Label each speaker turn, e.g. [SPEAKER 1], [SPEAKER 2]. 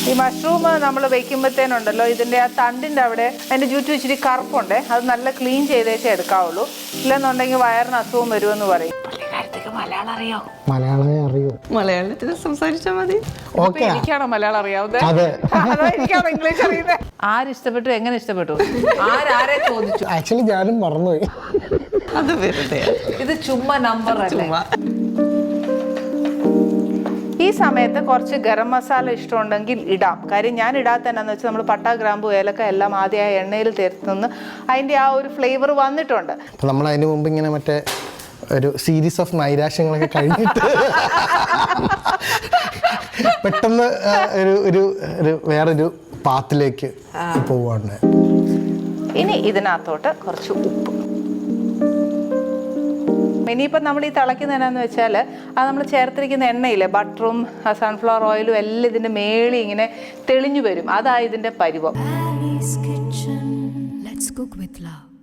[SPEAKER 1] ഈ മഷ്റൂം നമ്മൾ വെക്കുമ്പോഴത്തേനുണ്ടല്ലോ ഇതിൻ്റെ ആ തണ്ടിൻ്റെ അവിടെ അതിൻ്റെ ചുറ്റും ഇച്ചിരി കറുപ്പുണ്ട്. അത് നല്ല ക്ലീൻ ചെയ്തേച്ചേ എടുക്കാവുള്ളൂ. ഇല്ലെന്നുണ്ടെങ്കിൽ വയറിന് അസുഖം വരുമെന്ന് പറയും. മലയാളം അറിയോ?
[SPEAKER 2] മലയാളമേ അറിയൂ.
[SPEAKER 3] മലയാളത്തിൽ സംസാരിച്ചാൽ മതി.
[SPEAKER 1] എനിക്കാണോ മലയാളം അറിയാവുന്നത്? അതോ എനിക്കാണോ ഇംഗ്ലീഷ് അറിയുന്നത്? ആരിഷ്ടപ്പെട്ടു, എങ്ങനെ ഇഷ്ടപ്പെട്ടു, ആരെ ചോദിച്ചു?
[SPEAKER 2] ആക്ച്വലി ഞാനും മറന്നുപോയി.
[SPEAKER 3] അത് വെറുതെ
[SPEAKER 1] ഇത് ചുമ്മാ നമ്പർ അല്ലേ. ഈ സമയത്ത് കുറച്ച് ഗരം മസാല ഇഷ്ടമുണ്ടെങ്കിൽ ഇടാം. കാര്യം ഞാൻ ഇടാത്തതെന്നു വെച്ചാൽ നമ്മൾ പട്ട, ഗ്രാമ്പു, ഏലക്ക എല്ലാം ആദ്യം ആ എണ്ണയിൽ തീർത്തുനിന്ന് അതിൻ്റെ ആ ഒരു ഫ്ലേവർ വന്നിട്ടുണ്ട്.
[SPEAKER 2] നമ്മൾ അതിന് മുമ്പ് ഇങ്ങനെ മറ്റേ ഒരു സീരീസ് ഓഫ് നൈരാശ്യങ്ങളൊക്കെ കഴിഞ്ഞിട്ട് പെട്ടെന്ന് ഒരു വേറൊരു പാത്തിലേക്ക് പോവാണ്.
[SPEAKER 1] ഇനി ഇതിനകത്തോട്ട് കുറച്ച് ഉപ്പ്. ഇനിയിപ്പം നമ്മൾ ഈ തിളയ്ക്കുന്നതെന്നു വെച്ചാൽ അത് നമ്മൾ ചേർത്തിരിക്കുന്ന എണ്ണയില്ലേ, ബട്ടറും സൺഫ്ലവർ ഓയിലും എല്ലാം ഇതിൻ്റെ മേളിൽ ഇങ്ങനെ തെളിഞ്ഞു വരും. അതാ ഇതിൻ്റെ പരുവം.